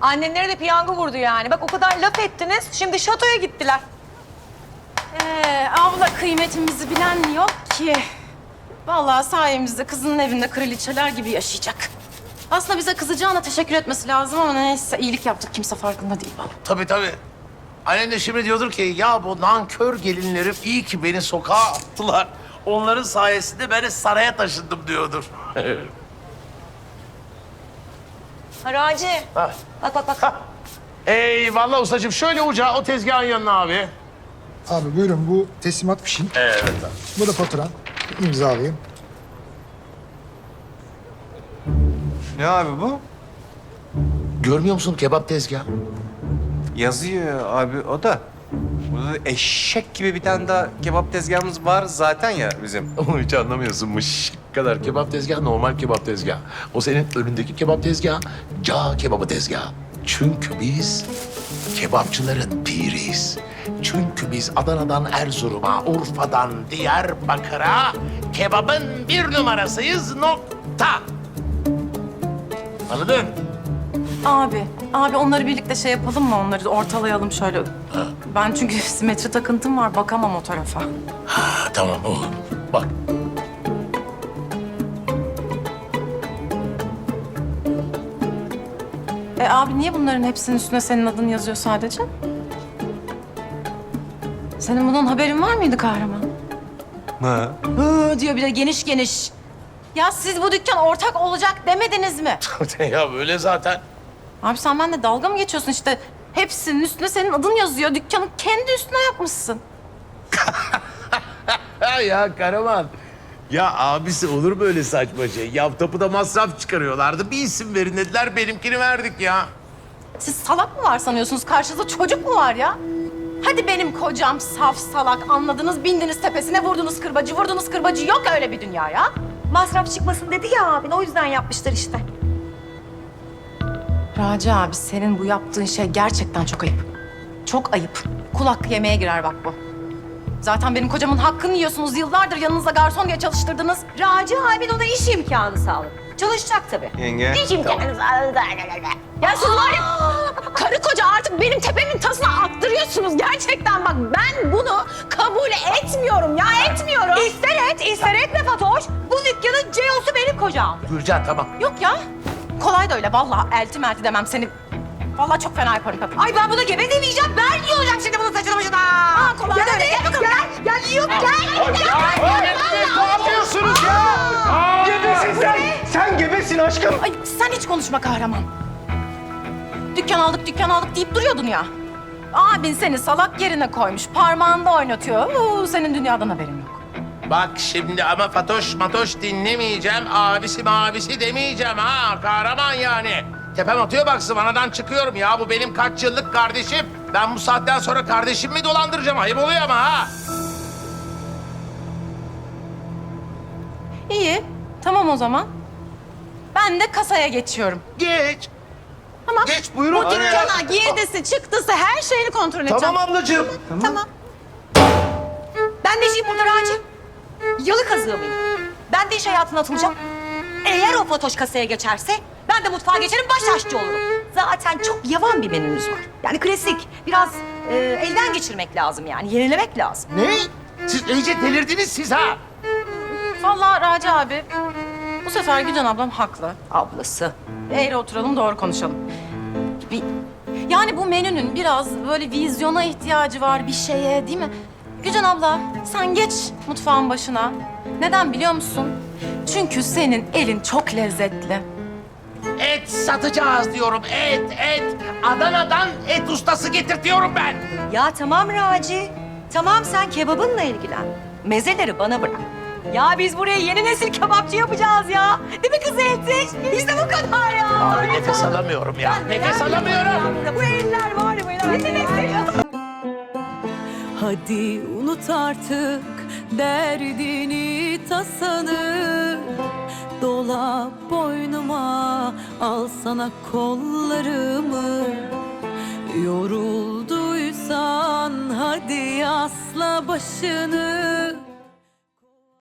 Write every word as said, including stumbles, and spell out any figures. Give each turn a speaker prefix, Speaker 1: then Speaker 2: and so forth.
Speaker 1: Annenlere de piyango vurdu yani. Bak o kadar laf ettiniz, şimdi şatoya gittiler.
Speaker 2: Ee, abla kıymetimizi bilen yok ki. Vallahi sayemizde kızının evinde kraliçeler gibi yaşayacak. Aslında bize kızacağına teşekkür etmesi lazım ama neyse iyilik yaptık kimse farkında değil vallahi.
Speaker 3: Tabii tabii. Annem de şimdi diyordur ki ya bu nankör gelinlerim iyi ki beni sokağa attılar. Onların sayesinde ben de saraya taşındım diyordur.
Speaker 1: Haraci.
Speaker 3: Ha.
Speaker 1: Bak bak bak.
Speaker 3: Eyvallah ustacığım. Şöyle uca o tezgahın yanına abi.
Speaker 4: Abi buyurun bu teslimat fişin.
Speaker 3: Evet abi.
Speaker 4: Bu da faturan. İmzalayayım.
Speaker 5: Ne abi bu?
Speaker 3: Görmüyor musun kebap tezgahı?
Speaker 5: Yazıyor abi o da. Burada da eşek gibi bir tane daha kebap tezgahımız var zaten ya bizim.
Speaker 3: Onu hiç anlamıyorsunmuş. kadar kebap tezgahı normal kebap tezgahı. O senin önündeki kebap tezgahı, cağ kebabı tezgahı. Çünkü biz kebapçıların piriyiz. Çünkü biz Adana'dan Erzurum'a, Urfa'dan Diyarbakır'a kebabın bir numarasıyız nokta. Anladın?
Speaker 2: Abi, abi onları birlikte şey yapalım mı? Onları ortalayalım şöyle. Ben çünkü simetri takıntım var, bakamam o tarafa.
Speaker 3: Ha, tamam oğlum. Bak.
Speaker 2: E abi niye bunların hepsinin üstüne senin adın yazıyor sadece? Senin bundan haberin var mıydı kahraman?
Speaker 5: Ha.
Speaker 2: Hı diyor bir de geniş geniş. Ya siz bu dükkan ortak olacak demediniz mi?
Speaker 3: Ya böyle zaten.
Speaker 2: Abi sen benimle dalga mı geçiyorsun işte? Hepsinin üstüne senin adın yazıyor. Dükkanı kendi üstüne yapmışsın.
Speaker 3: Ha ya Karaman. Ya abisi olur böyle saçma şey. Ya tapuda masraf çıkarıyorlardı. Bir isim verin dediler. Benimkini verdik ya.
Speaker 2: Siz salak mı var sanıyorsunuz? Karşınızda çocuk mu var ya? Hadi benim kocam saf salak anladınız. Bindiniz tepesine vurdunuz kırbacı, vurdunuz kırbacı. Yok öyle bir dünya ya.
Speaker 1: Masraf çıkmasın dedi ya abin, o yüzden yapmışlar işte.
Speaker 2: Raci abi senin bu yaptığın şey gerçekten çok ayıp. Çok ayıp. Kulak yemeye girer bak bu. Zaten benim kocamın hakkını yiyorsunuz. Yıllardır yanınızda garson diye çalıştırdınız.
Speaker 1: Raci abin ona iş imkanı sağladı. Çalışacak tabii.
Speaker 5: Yenge.
Speaker 1: İş imkanı sağladı.
Speaker 2: Ya siz var ya karı koca artık benim tepemin tasına attırıyorsunuz. Gerçekten bak ben bunu kabul etmiyorum ya etmiyorum.
Speaker 1: İster et, ister etme Fatoş. Bu dükkanın C E O'su benim kocam.
Speaker 3: Gülcan tamam.
Speaker 2: Yok ya. Kolay da öyle vallahi elti melti demem seni. Vallahi çok fena yaparım kadın.
Speaker 1: Ay ben buna gebe demeyeceğim. Ben yiyeceğim şimdi bunun saçını başına.
Speaker 2: Aa, kolay
Speaker 1: gel
Speaker 2: da öyle.
Speaker 1: hadi,
Speaker 2: Gel bakalım,
Speaker 1: Gel, gel, yiyorum, gel. Gel,
Speaker 3: Ne yapıyorsunuz ya?
Speaker 5: Gebesin sen. Sen gebesin aşkım.
Speaker 2: Ay sen hiç konuşma kahraman. Dükkan aldık, dükkan aldık deyip duruyordun ya. Abin seni salak yerine koymuş, parmağında oynatıyor. Uuu, senin dünyadan haberin yok.
Speaker 3: Bak şimdi ama Fatoş Matoş dinlemeyeceğim. Abisi mabisi demeyeceğim ha. Kahraman yani. Tepem atıyor bak zıvanadan çıkıyorum ya. Bu benim kaç yıllık kardeşim. Ben bu saatten sonra kardeşimi dolandıracağım. Ayıp oluyor ama ha.
Speaker 2: İyi, tamam o zaman. Ben de kasaya geçiyorum.
Speaker 3: Geç.
Speaker 2: Tamam.
Speaker 3: Geç buyurun.
Speaker 2: Bu dükkana girdisi, çıktısı her şeyini kontrol edeceğim.
Speaker 3: Tamam ablacığım.
Speaker 2: Tamam.
Speaker 1: Ben de işim burada Raci. Yalı kazığı mıyım? Ben de iş hayatına atılacağım. Eğer o Fatoş kasaya geçerse ben de mutfağa geçerim, baş aşçı olurum. Zaten çok yavan bir menümüz var. Yani klasik. Biraz e, elden geçirmek lazım yani. Yenilemek lazım.
Speaker 3: Ne? Siz iyice delirdiniz siz ha.
Speaker 2: Vallahi Raci abi, bu sefer Gülcan ablam haklı.
Speaker 1: Ablası.
Speaker 2: Eğri oturalım, doğru konuşalım. Bir, yani bu menünün biraz böyle vizyona ihtiyacı var bir şeye değil mi? Gülcan abla, sen geç mutfağın başına. Neden biliyor musun? Çünkü senin elin çok lezzetli.
Speaker 3: Et satacağız diyorum. Et, et. Adana'dan et ustası getirtiyorum ben.
Speaker 1: Ya tamam Raci. Tamam sen kebabınla ilgilen. Mezeleri bana bırak. Ya biz buraya yeni nesil kebapçı yapacağız ya. Değil mi kız Eltiş? İşte bu kadar ya.
Speaker 3: Abi nefes alamıyorum ya. Nefes alamıyorum.
Speaker 1: Bu eller var ya böyle.
Speaker 6: Hadi unut artık derdini tasanı. Dola boynuma, al sana kollarımı. Yorulduysan hadi asla başını.